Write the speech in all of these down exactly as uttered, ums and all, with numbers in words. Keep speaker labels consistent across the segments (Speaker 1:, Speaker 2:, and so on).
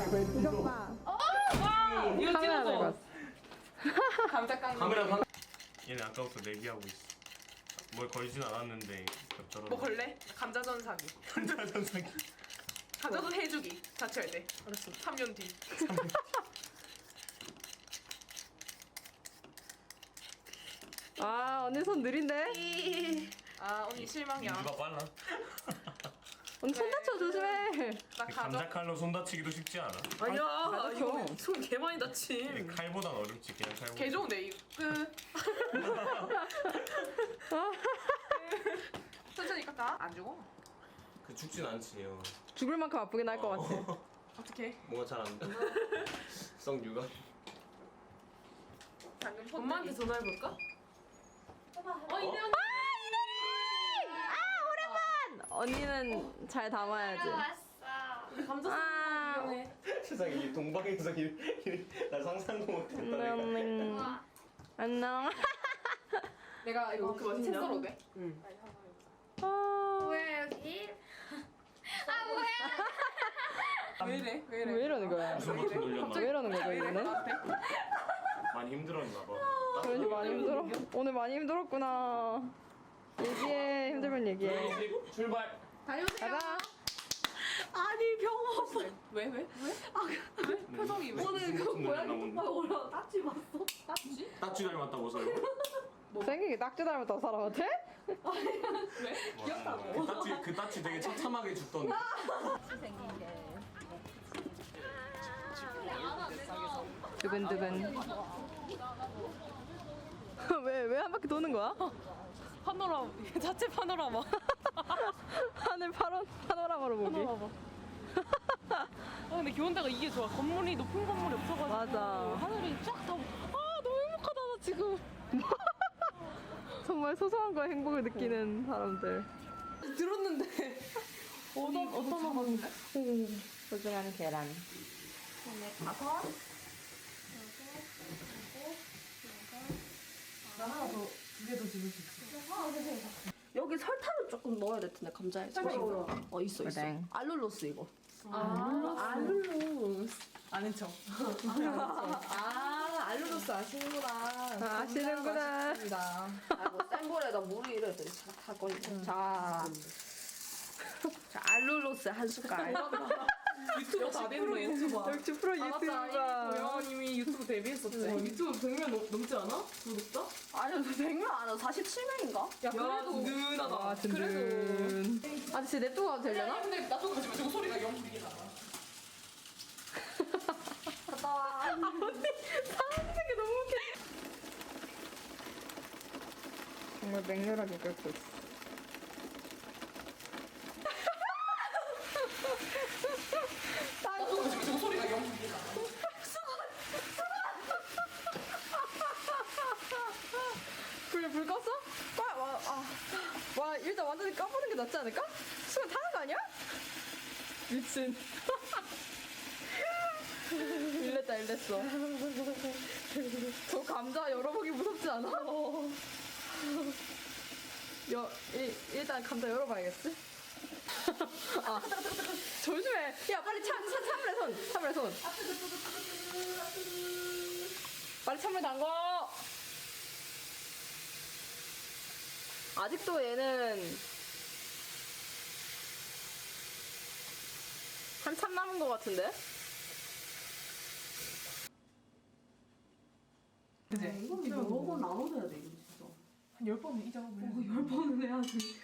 Speaker 1: 이것 봐.
Speaker 2: 이거
Speaker 1: 카메라 들고
Speaker 2: 찍어줘.
Speaker 1: 왔어.
Speaker 2: 감자깡.
Speaker 3: 카메라 방. 얘네 아까부터 내기하고 있어. 뭘 걸진 않았는데 겹쳐서.
Speaker 2: 뭐 걸래? 감자전 사기.
Speaker 3: 감자전 사기.
Speaker 2: 감자전 해주기. 자취할 때. 알았어. 삼 년 뒤.
Speaker 1: 아 언니 손 느린데?
Speaker 2: 아 언니 실망이야.
Speaker 3: 누가 빨라?
Speaker 1: 언니 손 다쳐 조심해.
Speaker 2: 나
Speaker 3: 감자
Speaker 2: 가져.
Speaker 3: 칼로 손 다치기도 쉽지 않아.
Speaker 2: 아니야.
Speaker 1: 아,
Speaker 2: 이거
Speaker 1: 다쳐.
Speaker 2: 손 개 많이 다치.
Speaker 3: 칼보단 어렵지 그냥 칼보다.
Speaker 2: 개 좋은데 이거. 끝. 천천히 깎아. 안 죽어.
Speaker 3: 그 죽진 않지요.
Speaker 1: 죽을 만큼 아프긴 할 것 같아.
Speaker 2: 어떻게?
Speaker 3: 뭔가 잘 안 돼. 성유가.
Speaker 2: 방금 손
Speaker 4: 엄마한테 전화해볼까?
Speaker 2: 어 이대 언니.
Speaker 1: 언니는 잘 담아야지.
Speaker 4: 감자
Speaker 1: 아.
Speaker 4: 쓰는
Speaker 3: 세상에 이 동방에서 이, 이, 나 상상도 못했다 내가.
Speaker 1: 안녕. 안녕.
Speaker 2: 내가 이거 그거
Speaker 4: 맛있냐?
Speaker 2: 채썰어도 돼?
Speaker 4: 응.
Speaker 1: 아.
Speaker 5: 뭐야 여기? 아 뭐야?
Speaker 2: 왜 이래? 왜 이래?
Speaker 1: 왜 이러는 거야?
Speaker 3: 무슨 버튼 눌렸나?
Speaker 1: 왜 이러는 거죠 이거는?
Speaker 3: 많이 힘들었나 봐.
Speaker 1: 그런지 많이 힘들어. 오늘 많이 힘들었구나. 얘기해. 힘들면 얘기해.
Speaker 3: 출발.
Speaker 5: 다녀오세요.
Speaker 1: 가자.
Speaker 4: 아니 병원
Speaker 2: 왜 왜? 왜? 왜? 표정이 왜?
Speaker 4: 오늘 그 고양이 똥파에 올라가 딱지 봤어?
Speaker 2: 딱지?
Speaker 3: 딱지 닮았다고서요?
Speaker 1: 생기게 딱지 닮았다고 사람한테?
Speaker 2: 왜?
Speaker 3: 귀엽다고. 그 딱지 그 딱지 되게 처참하게 죽던데.
Speaker 1: 두근두근. 왜 왜 한 바퀴 도는 거야?
Speaker 2: 파노라마 자체 파노라마.
Speaker 1: 하늘 파노, 파노라마로 보기.
Speaker 2: 파노라마. 아 근데 기온대가 이게 좋아. 건물이 높은 건물이 없어가지고
Speaker 1: 맞아.
Speaker 2: 하늘이 쫙 다. 아 너무 행복하다 나 지금.
Speaker 1: 정말 소소한 거에 행복을 느끼는 사람들.
Speaker 2: 들었는데 어떤 어떤 거 봤는데?
Speaker 1: 소중한 계란.
Speaker 4: 여기 설탕을 조금 넣어야 될 텐데 감자에
Speaker 2: 설탕
Speaker 4: 지금. 어 있어 있어
Speaker 1: 그래.
Speaker 4: 알룰로스 이거
Speaker 2: 아
Speaker 4: 알룰로스
Speaker 2: 아는 척.
Speaker 4: 아 알룰로스 아시는구나
Speaker 1: 아, 아시는구나.
Speaker 4: 아이고 센 불에다 물을 이래 할 거니까 자, 자 알룰로스 한 숟갈
Speaker 2: 유튜브 다 됐네. 유튜버.
Speaker 1: 역시 프로
Speaker 2: 아 맞다. 이미
Speaker 1: 유튜브가.
Speaker 2: 도영님이 유튜브 데뷔했었지. 유튜브 백 명 넘, 넘지 않아? 구독자?
Speaker 4: 아니 백 명 안 와. 사십칠 명인가?
Speaker 2: 야 그래도 든든하다.
Speaker 1: 아,
Speaker 2: 그래도.
Speaker 1: 든든. 아, 진짜 냅두고 가도
Speaker 2: 야
Speaker 1: 되려나?
Speaker 2: 근데 나도 가지 마. 저거 소리가 영 들리긴 나다.
Speaker 4: 갔다 와
Speaker 1: 언니, 사는 게 너무 웃겨. 정말 맹렬하게 끓고 있어.
Speaker 2: 나도 가지 마. 저거 소리가 영 들리긴 나다.
Speaker 1: 불, 불 껐어? 와, 와, 아. 와, 일단 완전히 까보는 게 낫지 않을까? 수건 타는 거 아니야? 미친. 일냈다, 일냈어. 저 감자 열어보기 무섭지 않아? 여, 일, 일단 감자 열어봐야겠지? 아, 조심해. 야, 빨리 참, 참, 참으래, 손. 참으래, 손. 빨리 참으래, 담궈. 아직도 얘는 한참 남은 것 같은데?
Speaker 2: 그지?
Speaker 4: 이거 여러 번 나눠줘야 돼 이거 진짜
Speaker 2: 한 열 번은 이 작업을 해.
Speaker 4: 열 번은 해야지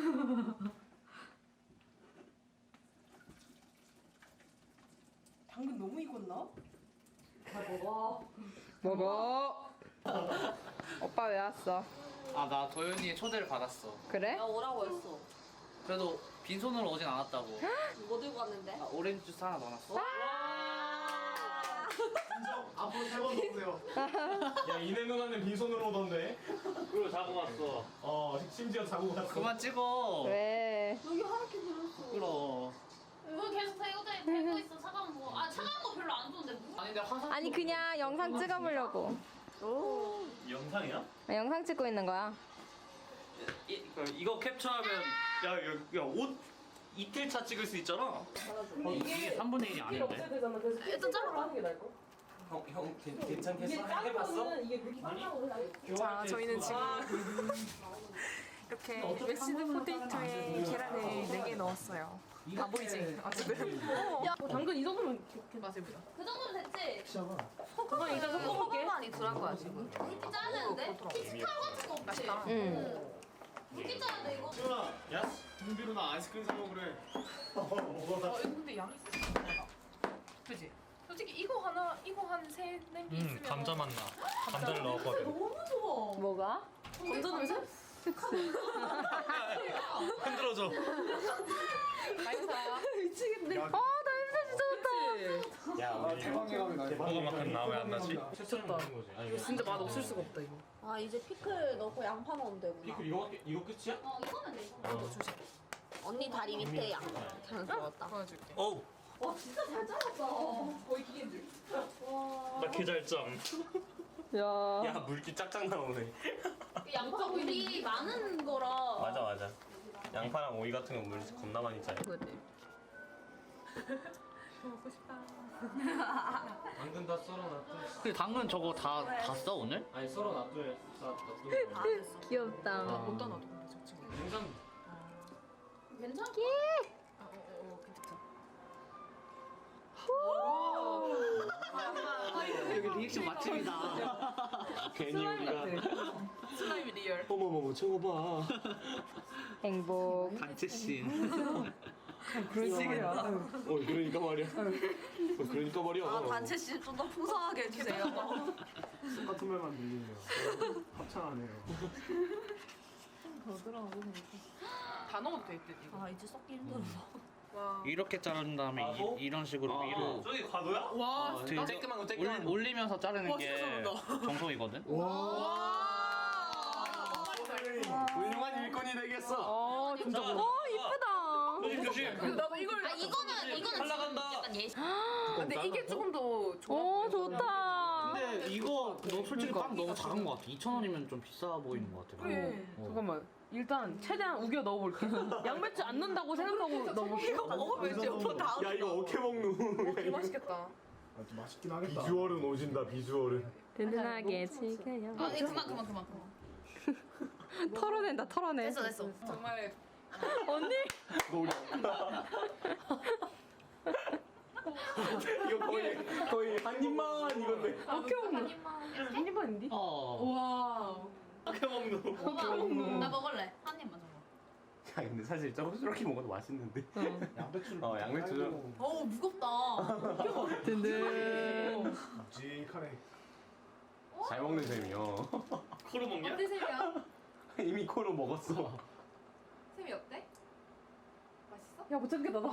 Speaker 2: 당근 너무 익었나?
Speaker 4: 잘 먹어
Speaker 1: 먹어. 오빠 왜 왔어?
Speaker 6: 아, 나 도현이의 초대를 받았어.
Speaker 1: 그래?
Speaker 4: 나 오라고 했어
Speaker 6: 그래도 빈손으로 오진 않았다고.
Speaker 4: 뭐 들고 왔는데?
Speaker 6: 아, 오렌지 주스 하나 넣어놨어.
Speaker 3: 앞으로 세 번 넣으세요. 야 이내 누나는 빈손으로 오던데.
Speaker 6: 그리고 자고 왔어.
Speaker 3: 어 심지어 자고 갔어.
Speaker 6: 그만 찍어.
Speaker 1: 왜?
Speaker 4: 여기 하얗게 그렸어
Speaker 6: 부끄러워.
Speaker 5: 뭐 계속 대고 대고 있어. 차가운 거. 아 차가운 거 별로 안 좋은데. 뭐?
Speaker 6: 아니, 내가 화상.
Speaker 1: 아니 그냥 영상 찍어보려고.
Speaker 3: 영상이야?
Speaker 1: 아, 영상 찍고 있는 거야.
Speaker 6: 이, 그, 이거 캡처하면 야, 야, 야, 옷 이틀차 찍을 수 있잖아. 어, 이게 삼분의 일이
Speaker 2: 이게 없어야
Speaker 6: 아닌데.
Speaker 2: 되잖아. 그래서
Speaker 5: 일단 잘라봐.
Speaker 2: 하는 게 나을 거.
Speaker 3: 형, 형 괜-
Speaker 2: 이게
Speaker 3: 괜찮겠어?
Speaker 2: 짠
Speaker 3: 해봤어?
Speaker 2: 거는 이게 물기 짠다고 해서
Speaker 1: 자, 저희는 지금 이렇게 메시드 포테이토에 계란을 네 개 넣었어요. 다 보이지? 어쨌든.
Speaker 2: 야, 어, 당근 이 정도면 맛을 보자.
Speaker 5: 그 정도면 됐지?
Speaker 2: 그건 일단 섞어볼게.
Speaker 4: 많이 들어갈 거야 지금.
Speaker 5: 물기 짜야 되는데? 피치카로 같은 거 없지?
Speaker 4: 응.
Speaker 5: 물기 짜야 돼 이거.
Speaker 3: 야, 준비로 나 아이스크림 사 먹으래.
Speaker 2: 어, 이거 근데 양이 있어. 그지? 솔직히 이거 하나, 이거 한 세 냄비 있으면
Speaker 3: 음, 감자 맛나. 감자를 넣었거든.
Speaker 2: 너무 좋아.
Speaker 4: 뭐가?
Speaker 2: 감자 냄새?
Speaker 3: 흔들어줘.
Speaker 1: 미치겠네. 아, 나 냄새 진짜 좋다.
Speaker 3: 야, 우리 대박만큼 나왜 안 나지?
Speaker 2: 미쳤다. 이거 진짜 맛 없을 수가 없다 이거.
Speaker 4: 아 이제 피클 넣고 양파 넣으면 되구나.
Speaker 3: 피클 이거 이거 끝이야?
Speaker 5: 어 이거면 돼 이거.
Speaker 3: 어.
Speaker 4: 언니 다리 밑에 양파. 잘 들어갔다.
Speaker 1: 보여줄게.
Speaker 3: 어우,
Speaker 5: 와 진짜 잘 잘랐다.
Speaker 2: 거의 기계인 줄.
Speaker 3: 나 개잘점.
Speaker 1: 야.
Speaker 3: 야, 물기 짝짝 나오네.
Speaker 5: 그 양파 물이 많은 거라.
Speaker 3: 맞아, 맞아. 양파랑 오이 같은 거 물 겁나 많이 짜요.
Speaker 1: 먹고 싶다.
Speaker 3: 당근 다 썰어놨대.
Speaker 6: 근데 당근 저거 다 다 써 오늘?
Speaker 3: 아니, 썰어놨대. 놔둬.
Speaker 1: 귀엽다.
Speaker 2: 어디다 놔둬 근데 저 친구.
Speaker 3: 냉장.
Speaker 5: 괜찮아?
Speaker 2: 어, 어, 어, 괜찮다.
Speaker 6: 여기 리액션 맛집이다.
Speaker 3: 괜히 우리가
Speaker 2: 슬라임이 리얼.
Speaker 3: 어머머머 저거 봐.
Speaker 1: 행복.
Speaker 6: 단체 씬.
Speaker 1: 그런 식이야.
Speaker 3: 어, 그러니까 말이야. 어, 그러니까 말이야.
Speaker 4: 아 단체 씨 좀 더 풍성하게 해주세요.
Speaker 3: 똑같은 말만 들리네요. 합창하네요.
Speaker 2: 다 넣어도 돼 이때 이거.
Speaker 4: 아 이제 썩기 힘들어.
Speaker 1: 와.
Speaker 6: 이렇게 자른 다음에
Speaker 3: 과도?
Speaker 6: 이, 이런 식으로 위로
Speaker 3: 저기 과도야?
Speaker 2: 와,
Speaker 6: 되게
Speaker 3: 쬐끄만 거
Speaker 6: 올,
Speaker 3: 쬐끄만 거.
Speaker 6: 올리면서 자르는
Speaker 2: 와,
Speaker 6: 게
Speaker 2: 진짜
Speaker 6: 정석이거든.
Speaker 3: 훌륭한 일꾼이 되겠어.
Speaker 1: 어, 진짜. 어, 이쁘다.
Speaker 3: 조심 조심.
Speaker 2: 나도 이걸.
Speaker 5: 아 이거는 이거는
Speaker 3: 올라간다.
Speaker 5: 약간 예시.
Speaker 2: 근데 이게 조금 더 좋아.
Speaker 1: 오,
Speaker 2: 보여서
Speaker 1: 좋다.
Speaker 6: 근데 이거 너 솔직히 딱 너무 작은 것 같아. 이천 원이면 좀 비싸 보이는 것 같아.
Speaker 2: 그래.
Speaker 6: 어.
Speaker 2: 잠깐만. 일단 최대한 우겨 넣어볼게. 양배추 안 넣는다고 생각하고 넣어볼게. 이거 먹으면 이제 다.
Speaker 3: 야, 이거 어떻게 먹노?
Speaker 2: 개 맛있겠다.
Speaker 7: 아, 좀 맛있긴 하겠다.
Speaker 3: 비주얼은 오진다. 비주얼은.
Speaker 1: 든든하게 즐겨요.
Speaker 5: 아 이거 그만 그만 그만 그만.
Speaker 1: 털어낸다, 털어내.
Speaker 5: 됐어 됐어.
Speaker 2: 정말
Speaker 1: 언니?
Speaker 3: 너 우리 이거 거의 거의 한 입만 이건데.
Speaker 2: 어떻게 먹는? 한 입만인데?
Speaker 6: 어.
Speaker 2: 와.
Speaker 3: 어떻게 먹노?
Speaker 5: 나 먹을래. 한 입만 정도.
Speaker 3: 야, 근데 사실 저거 저렇게 먹어도 맛있는데.
Speaker 7: 양배추를
Speaker 3: 어, 양배추 좀.
Speaker 5: 어우 무겁다.
Speaker 1: 든든.
Speaker 7: 묵직하네.
Speaker 3: 잘 먹는 셈이요.
Speaker 6: 코로 먹냐?
Speaker 5: 어때 쌤이야?
Speaker 3: 이미 코로 먹었어.
Speaker 5: 쌤이 어때? 맛있어?
Speaker 2: 야, 못 참겠다, 나.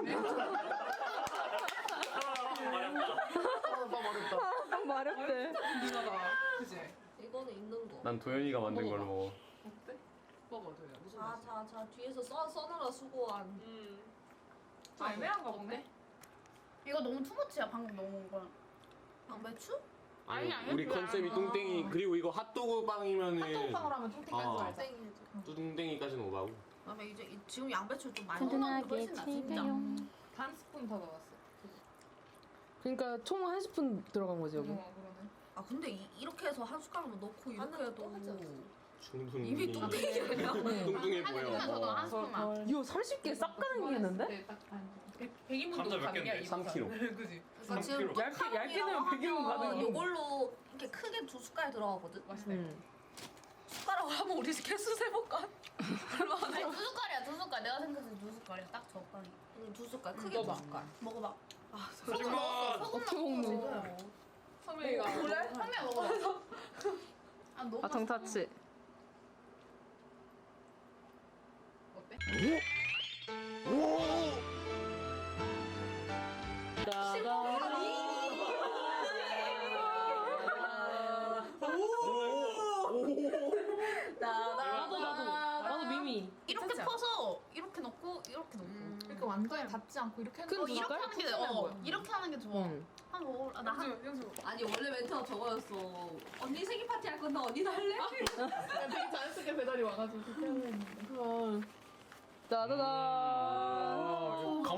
Speaker 1: 딱 마렵대.
Speaker 2: 누나가. 그지?
Speaker 4: 이거는 있는 거.
Speaker 3: 난 도현이가 만든 걸로 먹어.
Speaker 2: 어때? 먹어, 도야. 무슨
Speaker 4: 자자자 뒤에서 써 써느라 수고한.
Speaker 2: 음. 좀 애매한가 보네.
Speaker 5: 이거 너무 투머치야 방금 넣은 거.
Speaker 4: 양배추?
Speaker 5: 아니, 아니,
Speaker 3: 우리
Speaker 5: 그래.
Speaker 3: 컨셉이 뚱땡이 그리고 이거 핫도그 빵이면은
Speaker 5: 핫도그빵으로 하면 뚱땡까지
Speaker 3: 아.
Speaker 5: 아.
Speaker 4: 땡이.
Speaker 3: 뚱땡이까지는 오바고.
Speaker 4: 그다음에 이제 이- 지금 양배추 좀 많이
Speaker 1: 든든하게
Speaker 4: 훨씬 나 진짜.
Speaker 1: 즐겨요.
Speaker 2: 반 스푼 더 넣었어. 그러니까 총 한 스푼 들어간 거지 여기.
Speaker 5: 어 그러네.
Speaker 4: 아 근데 이, 이렇게 해서 한 숟가락만 넣고 이렇게 해도
Speaker 3: 충분히
Speaker 4: 이미 뚱땡이야 그냥.
Speaker 3: 뚱뚱해
Speaker 5: 한
Speaker 3: 보여.
Speaker 5: 입만 저도 한 스푼만.
Speaker 2: 이거 삼십 개 싹 가능이겠는데?
Speaker 5: 네, 딱 반.
Speaker 2: 백 인분도
Speaker 3: 감자 몇
Speaker 2: 가능이야.
Speaker 3: 개인데? 삼 킬로그램.
Speaker 2: 그지?
Speaker 4: 그러니까 지금
Speaker 2: 얇게 얇게 넣으면 백 인분 가능.
Speaker 4: 이걸로 이렇게 크게 두 숟갈 들어가거든.
Speaker 2: 맛있네.
Speaker 1: 음.
Speaker 4: 숟가락으로 하면 우리 개수 세볼까?
Speaker 5: 아니 두 숟갈이야 두 숟갈. 내가 생각해서 두 숟갈이야. 딱 적당히.
Speaker 4: 응, 두 숟갈 크게
Speaker 2: 먹어봐.
Speaker 4: 두 숟갈. 먹어봐.
Speaker 5: 소금 넣었어. 소금
Speaker 2: 어떻게
Speaker 5: 넣었어.
Speaker 2: 먹노? 선배가
Speaker 5: 그래? 선배 먹어봐. 아 너무
Speaker 1: 아, 정타치.
Speaker 2: 어때? 나도 나도 나도 미미.
Speaker 5: 이렇게
Speaker 2: 괜찮지
Speaker 5: 퍼서 이렇게 넣고 이렇게 넣고 이렇게 완전히 닿지 않고 이렇게 하는
Speaker 2: 큰
Speaker 5: 거 이렇게
Speaker 2: 숟갈?
Speaker 5: 하는 게
Speaker 2: 큰
Speaker 5: 어,
Speaker 2: 숟갈.
Speaker 5: 이렇게 하는 게 좋아.
Speaker 1: 응.
Speaker 5: 한번 먹을 아, 나 한.
Speaker 2: 영수
Speaker 4: 아니 원래 멘트가 저거였어. 언니 생일 파티 할 건데 언니도 할래?
Speaker 2: 되게 자연스럽게 배달이 와가지고 그렇게 하는 했는데.
Speaker 1: 짜자잔.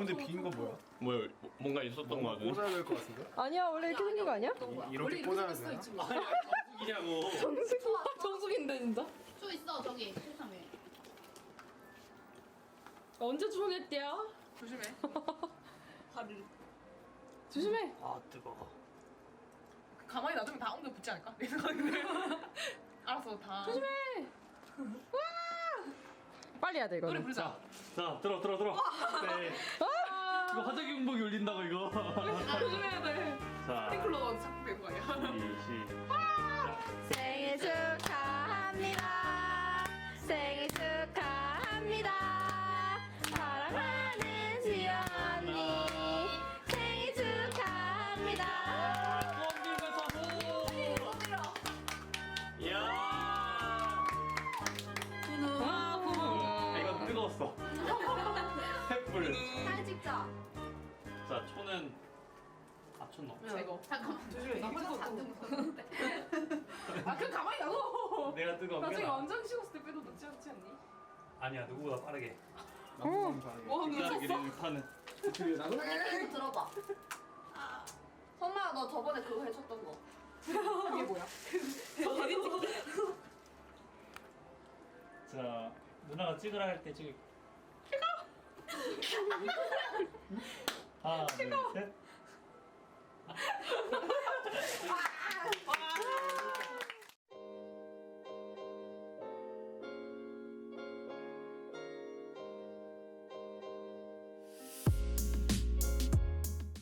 Speaker 7: 가운데 빈 건 뭐야?
Speaker 3: 뭐야 뭔가 있었던 거 같은데?
Speaker 7: 꽂아야 될 것 같은데?
Speaker 1: 아니야 원래 이렇게 생긴 거 아니야?
Speaker 7: 이렇게 꽂아야 되나?
Speaker 3: 이냐고.
Speaker 1: 정수기 정수기인데 진짜.
Speaker 5: 저 있어 저기 세상에.
Speaker 1: 언제 주문했대요?
Speaker 2: 조심해. 발을
Speaker 1: 조심해.
Speaker 6: 아 뜨거워.
Speaker 2: 가만히 놔두면 다 엉덩이 붙지 않을까? 내 생각인데. 알았어 다. 조심해.
Speaker 1: 빨리 해야 돼
Speaker 2: 노래
Speaker 1: 이거는.
Speaker 2: 부르자.
Speaker 3: 자 들어 들어 들어. 네.
Speaker 6: 이거 화장이 운복이 울린다고 이거.
Speaker 2: 조심해야 돼.
Speaker 3: 자
Speaker 2: 스프링클러 자꾸 되는 거 아니야?
Speaker 3: 시
Speaker 1: 생일 축하합니다. 생일 축하합니다. 사랑하는 지영 언니 생일 축하합니다.
Speaker 3: 이야.
Speaker 1: 와,
Speaker 3: 아, 이건 뜨거웠어. 횃불.
Speaker 4: 사진 찍자.
Speaker 6: 자 초는 아촌 넣어.
Speaker 2: 이거.
Speaker 5: 잠깐만.
Speaker 2: 조심해.
Speaker 5: 나 혼자 잔뜩 묻었는데.
Speaker 2: 아 그럼 가만히 놔둬.
Speaker 6: 내가 뜨거운 게
Speaker 2: 나중에
Speaker 6: 나.
Speaker 2: 완전 식었을 때 빼도 넣지 않지 않니?
Speaker 6: 아니야 누구보다 빠르게.
Speaker 7: 나도 감사하게.
Speaker 2: 뭐
Speaker 6: 빠르게
Speaker 2: 미쳤어?
Speaker 6: 파는.
Speaker 7: 어떻게 나도?
Speaker 4: 이거 들어봐. 선나야 너 저번에 그거 해줬던 거.
Speaker 2: 그게 뭐야?
Speaker 6: 자 누나가 찍으라 할 때 찍을. 하나 둘 셋.